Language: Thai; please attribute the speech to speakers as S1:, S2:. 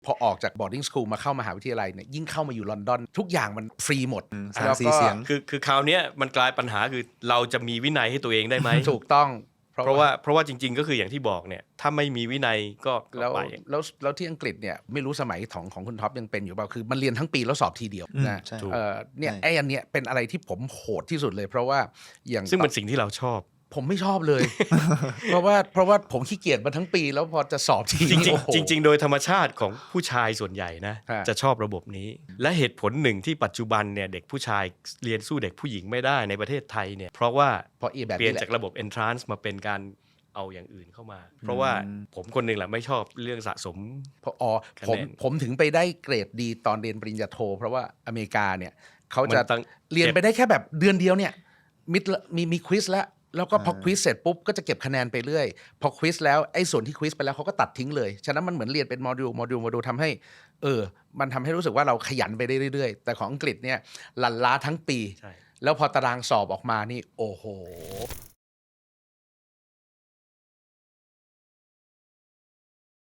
S1: พอออกจาก boarding school มาเข้ามหาวิทยาลัยเนี่ยยิ่งเข้ามาอยู่ลอนดอนทุกอย่างมันฟรีหมด
S2: แล้วก็
S3: คือคราวนี้มันกลายปัญหาคือเราจะมีวินัยให้ตัวเองได้ไหม
S1: ถูกต้อง
S3: เพราะว่าจริงๆก็คืออย่างที่บอกเนี่ยถ้าไม่มีวินัยก็
S1: แล้วที่อังกฤษเนี่ยไม่รู้สมัยของคุณท็อปยังเป็นอยู่เปล่าคือมันเรียนทั้งปีแล้วสอบทีเดียวนะเนี่ยไอ้อันเนี้ยเป็นอะไรที่ผมโหดที่สุดเลยเพราะว่าอย่าง
S3: ซึ่งเป็นสิ่งที่เราชอบ
S1: ผมไม่ชอบเลย เพราะว่าผมขี้เกียจมาทั้งปีแล้วพอจะสอบที
S3: จริงโดยธรรมชาติของผู้ชายส่วนใหญ่นะจะชอบระบบนี้และเหตุผลหนึ่งที่ปัจจุบันเนี่ยเด็กผู้ชายเรียนสู้เด็กผู้หญิงไม่ได้ในประเทศไทยเนี่ยเพราะว่าเปลี่ยนจากระบบ entrance มาเป็นการเอาอย่างอื่นเข้ามาเพราะว่าผมคนหนึ่งแหละไม่ชอบเรื่องสะสม
S1: ผมถึงไปได้เกรดดีตอนเรียนปริญญาโทเพราะว่าอเมริกาเนี่ยเขาจะเรียนไปได้แค่แบบเดือนเดียวเนี่ยมีควิสแล้วก็พอควิสเสร็จปุ๊บก็จะเก็บคะแนนไปเรื่อยพอควิสแล้วไอ้ส่วนที่ควิสไปแล้วเขาก็ตัดทิ้งเลยฉะนั้นมันเหมือนเรียนเป็นโมดูลทำให้มันทำให้รู้สึกว่าเราขยันไปได้เรื่อยๆแต่ของอังกฤษเนี่ยลันล้าทั้งปีแล้วพอตารางสอบออกมานี่โอ้โห